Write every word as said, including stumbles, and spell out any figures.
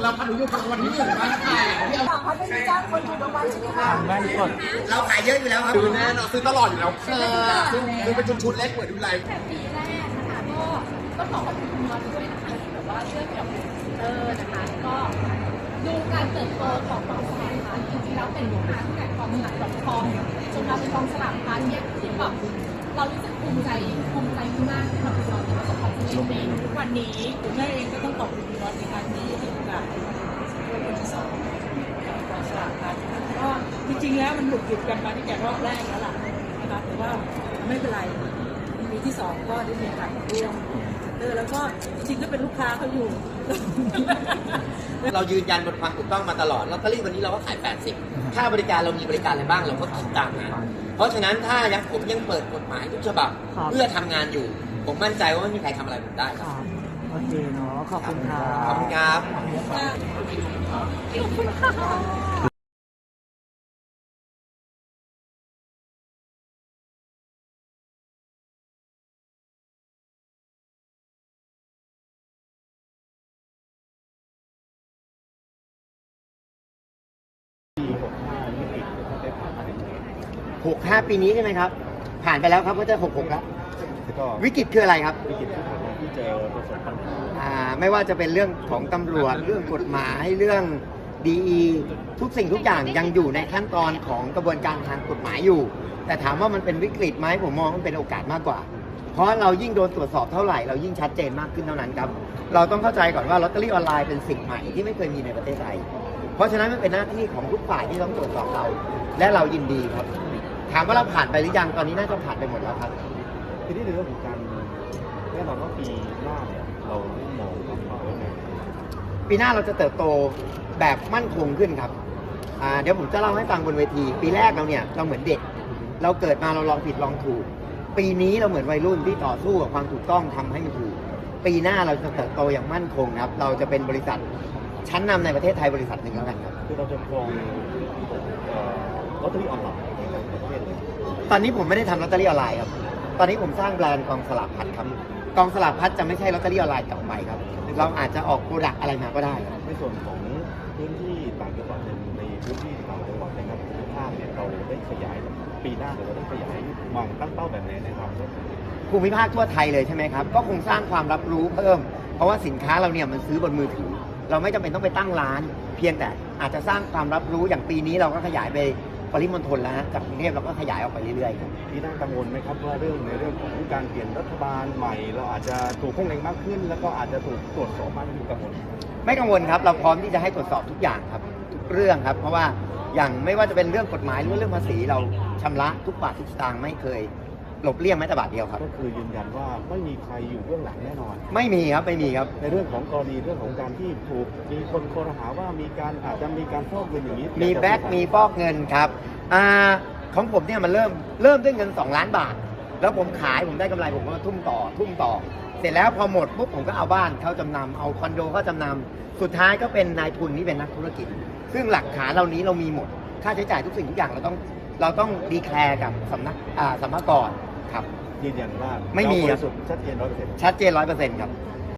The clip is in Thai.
เราพันธุยุวันที่หนึ่งบ้านใครที่เอาเขาไม่ได้จ้างคนถูกรางวัลใช่ไหมคะบ้านกดเราขายเยอะอยู่แล้วครับซื้อแน่นอนซื้อตลอดอยู่แล้วค่ะซื้อซื้อเป็นชุดๆเล็กเหมือนดูไรแต่ปีแรกนะคะก็ก็ขอขอบคุณคุณน็อตด้วยนะคะที่แบบว่าช่วยเกี่ยวกับเออนะคะก็ดูการเติบโตของกองสลากพลัสจริงๆแล้วเป็นลูกค้าตั้งแต่กองสลากดอทคอมจนมาเป็นกองสลากพลัสเนี่ยที่แบบเรารู้สึกภูมิใจภูมิใจมากที่แบบเราได้ประสบความสำเร็จในทุกวันนี้คุณแม่เองก็ต้องขอบคุณคุณน็อตในการที่ให้โอกาสช่วยคนที่สองกองสลากพลัสก็จริงๆแล้วมันหลุดหยุดกันมาตั้งแต่รอบแรกแล้วล่ะนะคะแต่ว่าไม่เป็นไรปีที่สองก็ได้มีโอกาสมาร่วมเออแล้วก็จริงๆก็เป็นลูกค้าเขาอยู่เรายืนยันบนความถูกต้องมาตลอดลอตเตอรี่วันนี้เราก็ขายแปดสิบค่าบริการเรามีบริการอะไรบ้างเราก็คิดตามนั้นเพราะฉะนั้นถ้ายังผมยังเปิดกฎหมายทุกฉบับเพื่อทำงานอยู่ผมมั่นใจว่าไม่มีใครทำอะไรผมได้ครับโอเคเนาะขอบคุณครัขอบบ คุณครับขอบคุณค่ะหกห้าปีนี้ใช่ไหมครับ ผ่านไปแล้วครับก็จะหกหกแล้วก็วิกฤตคืออะไรครับวิกฤตที่ผมที่เจอประสบปัญหาอ่าไม่ว่าจะเป็นเรื่องของตำรวจเรื่องกฎหมายเรื่องดีทุกสิ่งทุกอย่างยังอยู่ในขั้นตอนของกระบวนการทางกฎหมายอยู่ แต่ถามว่ามันเป็นวิกฤตไหมผมมองมันเป็นโอกาสมากกว่า เพราะเรายิ่งโดนตรวจสอบเท่าไหร่เรายิ่งชัดเจนมากขึ้นเท่านั้นครับเราต้องเข้าใจก่อนว่าลอตเตอรี่ออนไลน์เป็นสิ่งใหม่ที่ไม่เคยมีในประเทศไทยเพราะฉะนั้นมันเป็นหน้าที่ของทุกฝ่ายที่ต้องตรวจสอบเรา และเรายินดีครับถามว่าเราผ่านไปหรือยังตอนนี้น่าจะผ่านไปหมดแล้วครับทีนี้ในเรื่องของการแน่นอนว่าปีหน้าเนี่ยเราได้มองว่าเราไงปีหน้าเราจะเติบโตแบบมั่นคงขึ้นครับอ่าเดี๋ยวผมจะเล่าให้ฟังบนเวที ปีแรกเราเนี่ยเราเหมือนเด็ก เราเกิดมาเราลองผิดลองถูก ปีนี้เราเหมือนวัยรุ่นที่ต่อสู้กับความถูกต้องทำให้มันถูก ปีหน้าเราจะเติบโตอย่างมั่นคงครับ เราจะเป็นบริษัทชั้นนำในประเทศไทยบริษัทหนึ่งแล้วกันครับคือเราจะครองเอ่อลอตเตอรี่ออนไลน์ในประเทศเลยตอนนี้ผมไม่ได้ทำลอตเตอรี่ออนไลน์ครับ ตอนนี้ผมสร้างแบรนด์กองสลากพัดครับ กองสลากพัดจะไม่ใช่ลอตเตอรี่ออนไลน์ต่อไปครับ เราอาจจะออกโปรดักต์อะไรมาก็ได้ครับในส่วนของพื้นที่ต่างจังหวัดในในพื้นที่ต่างจังหวัดนะครับภูมิภาคเนี่ยเราได้ขยายปีหน้าเราได้ขยายวางตั้งเป้าแบบไหนนะครับภูมิภาคทั่วไทยเลยใช่ไหมครับ ก็คงสร้างความรับรู้เพิ่ม เพราะว่าสินค้าเราเนี่ยมันซื้อบนมือถือ เราไม่จำเป็นต้องไปตั้งร้าน เพียงแต่อาจจะสร้างความรับรู้อย่างปีนี้เราก็ขยายไปปริมณฑลแล้วฮะจากกรุงเทพเราก็ขยายออกไปเรื่อยๆครับปีหน้ากังวลไหมครับว่าเรื่องในเรื่องของการเปลี่ยนรัฐบาลใหม่ เราอาจจะถูกข้องเล็งมากขึ้น แล้วก็อาจจะถูกตรวจสอบมากขึ้นกังวลไม่กังวลครับ เราพร้อมที่จะให้ตรวจสอบทุกอย่างครับทุกเรื่องครับ เพราะว่าอย่างไม่ว่าจะเป็นเรื่องกฎหมายหรือเรื่องภาษีเราชำระทุกบาททุกสตางค์ไม่เคยหลบเลี่ยงแม้แต่บาทเดียวครับก็คือยืนยันว่าไม่มีใครอยู่เบื้องหลังแน่นอนไม่มีครับไม่มีครับในเรื่องของกรณีเรื่องของการที่ถูกมีคนโครหาว่ามีการอาจจะมีการฟอกเงินอย่างนี้มีแบ็กมีฟอกเงินครับอ่าของผมเนี่ยมันเริ่มเริ่มด้วยเงินสองล้านบาท แล้วผมขายผมได้กำไรผมก็ทุ่มต่อทุ่มต่อ เสร็จแล้วพอหมดปุ๊บผมก็เอาบ้านเข้าจำนำเอาคอนโดเข้าจำนำสุดท้ายก็เป็นนายทุนนี่เป็นนักธุรกิจ ซึ่งหลักฐานเหล่านี้เรามีหมดค่าใช้จ่ายทุกสิ่งทุกอย่างเราต้องเราต้องดีแคลร์กับสำนักอ่าสรรพากรครับยืนยันว่าไม่มีเราบริสุทธิ์ชัดเจนร้อยเปอร์เซ็นต์ชัดเจนร้อยเปอร์เซ็นต์ครับค